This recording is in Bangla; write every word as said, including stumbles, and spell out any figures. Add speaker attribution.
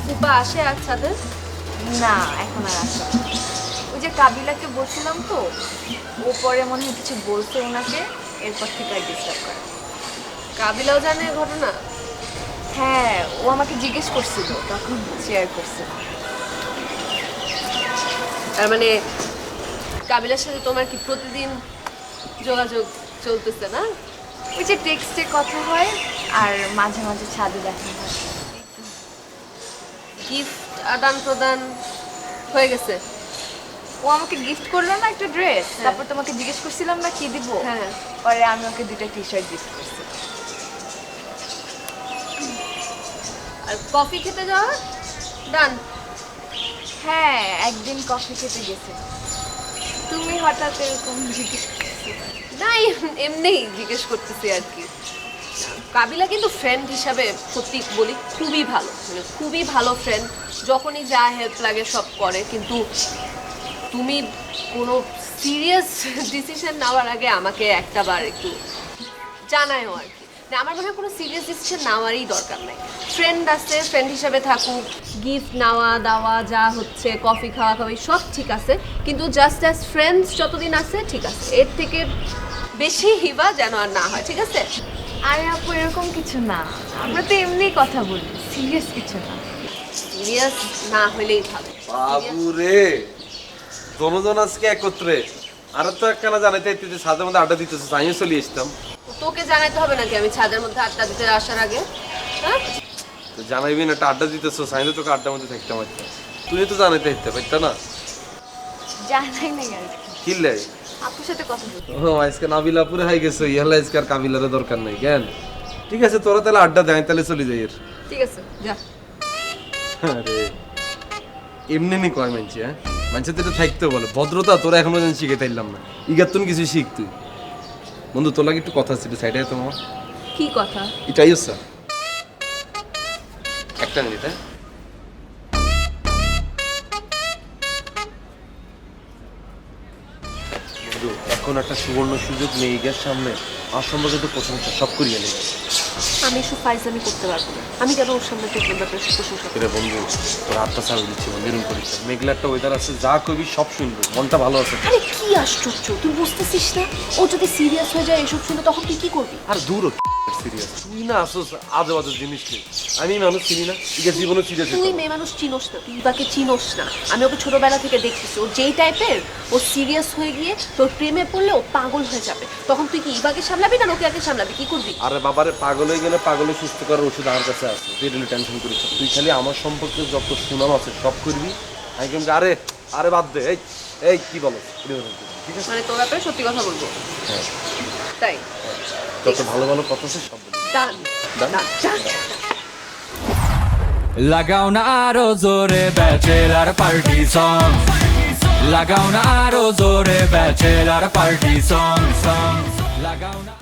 Speaker 1: রূপা আসে আর ছাদে?
Speaker 2: না এখন আর আসে না। ওই যে কাবিলাকে বলছিলাম তো, ও পরে মনে হয় কিছু বলছে ওনাকে, এরপর থেকে আর ডিস্টার্ব করে।
Speaker 1: কাবিলাও জানে এই ঘটনা?
Speaker 2: হ্যাঁ, ও আমাকে জিজ্ঞেস করছিল, তখন শেয়ার করছিল।
Speaker 1: তার মানে কাবিলার সাথে তোমার কি প্রতিদিন যোগাযোগ চলতেছে না?
Speaker 2: ওই যে টেক্সটে কথা হয় আর মাঝে মাঝে ছাদে দেখা হয়।
Speaker 1: গিফট আদান প্রদান হয়ে গেছে?
Speaker 2: ও আমাকে গিফট করলো না একটা ড্রেস,
Speaker 1: হ্যাঁ।
Speaker 2: তারপর তোমাকে জিজ্ঞেস করছিলাম না কি দিব,
Speaker 1: হ্যাঁ।
Speaker 2: পরে আমি ওকে দুইটা টি শার্ট গিফট করছি।
Speaker 1: আর কফি খেতে যাওয়া ডান?
Speaker 2: হ্যাঁ, একদিন কফি খেতে গেছে। তুমি হঠাৎ এরকম জিজ্ঞেস করছো?
Speaker 1: না এম- এমনিই জিজ্ঞেস করতেছি আর কি। কাবিলা কিন্তু ফ্রেন্ড হিসাবে সত্যি বলি খুবই ভালো, মানে খুবই ভালো ফ্রেন্ড। যখনই যা হেল্প লাগে সব করে, কিন্তু তুমি কোনো সিরিয়াস ডিসিশন নেওয়ার আগে আমাকে একটা বার একটু জানায়ও আর কি। না, আমার মনে হয় কোনো সিরিয়াস ডিসিশন নেওয়ারই দরকার নাই। ফ্রেন্ড আছে, ফ্রেন্ড হিসাবে থাকুক, গিফট নেওয়া দাওয়া যা হচ্ছে, কফি খাওয়া খাওয়াই সব ঠিক আছে, কিন্তু জাস্ট অ্যাজ ফ্রেন্ডস যতদিন আছে ঠিক আছে, এর থেকে বেশি হিবা যেন আর না হয়, ঠিক আছে?
Speaker 2: আরে আপু এরকম কিছু না, আমরা তো এমনি কথা বলি, সিরিয়াস কিছু না।
Speaker 1: সিরিয়াস না হলেই ভালো।
Speaker 3: বাবু রে, দনোজন আজকে একত্রে। আর তো একখানা জানাইতে যে সাদের মধ্যে আড্ডা দিতেছে, আমিও চলে আসতাম।
Speaker 1: তোকে জানাইতে হবে নাকি আমি ছাদের মধ্যে আড্ডা দিতে আসার আগে? হ্যাঁ,
Speaker 3: তো জানাইবি না, একটা আড্ডা দিতেছো, সাইলে তোকে আড্ডার মধ্যে থাকতাম একটা। তুই তো জানাইতে হইতে পারত না?
Speaker 2: জানাই নাই আর কি,
Speaker 3: কিনলে
Speaker 2: আপুর সাথে কথা বলতে।
Speaker 3: ও আজকে নাবিলা পুরে হাই গেছো, ইহালা আজকে আর কাবিলার দরকার নাই কেন? ঠিক আছে, তোরা তাহলে আড্ডা দেয়, তাহলে চলে যাই এর।
Speaker 1: ঠিক আছে যা।
Speaker 3: আরে এমনি নি কয় মানছি, হ্যাঁ মানছে তো এটা থাকতে বলে ভদ্রতা, তোরা এখনো যেন শিখে তাইলাম না। ইগার তুন কিছু শিখ তুই। বন্ধু তোর লাগে একটু কথা ছিল, সাইডে তোমার
Speaker 1: কি কথা?
Speaker 3: এটাই হচ্ছে একটা মিনিট। হ্যাঁ বন্ধু, এখন একটা সুবর্ণ সুযোগ নেই গ্যাস সামনে, আর সম্পর্কে প্রশংসা সব করিয়ে নেই।
Speaker 1: আমি এসব ফাইজলামি করতে পারবো না। আমি কেন ওর সামনে তোর ব্যাপারে প্রশংসা করব?
Speaker 3: রে বন্ধু, তোর আত্মা ছাড় দিচ্ছি, মেরুন করিস না। মেঘলা একটা ওয়েদার আছে, যা কবি সব শুনবো, মনটা ভালো আছে।
Speaker 1: আরে কি আশ্চর্য, তুই বুঝতেছিস না? ও যদি সিরিয়াস হয়ে যায় এসব শুনে, তখন তুই কি করবি?
Speaker 3: আর দূর সিরিয়াস তুই না আসোস আজে বাজে জিনিস নেই। আমি মানুষ চিনি না, ইকে জীবনে সিরিয়াস
Speaker 1: তুই মেয়ে মানুষ চিনোস না, তুই বাকে চিনোস না। আমি ওকে ছোটবেলা থেকে দেখতেছি, ও যেই টাইপের, ও সিরিয়াস হয়ে গিয়ে তোর প্রেমে পড়লে ও পাগল হয়ে যাবে। তখন তুই কি ইবাকে সামলাবি না ওকে আগে সামলাবি? কি করবি?
Speaker 3: আরে বাবারে, পাগল হয়ে গেলে পাগলে সুস্থ করার ওষুধ আমার কাছে আছে, তুই রিলি টেনশন করিস না। তুই খালি আমার সম্পর্কে যত সুনাম আছে সব করবি। আমি কিন্তু আরে আরে বাদ দে, এই এই কি বলো, ঠিক আছে?
Speaker 1: মানে তোর ব্যাপারে সত্যি কথা বলবো?
Speaker 3: হ্যাঁ,
Speaker 1: তাই
Speaker 3: যত ভালো ভালো কথা আছে সব বলবি।
Speaker 1: ডান
Speaker 3: Done?
Speaker 1: ডান ডান।
Speaker 4: লাগাও না আরো জোরে ব্যাচেলার পার্টি সং, লাগাও না আরো জোরে ব্যাচেলার পার্টি সং সং, লাগাও না।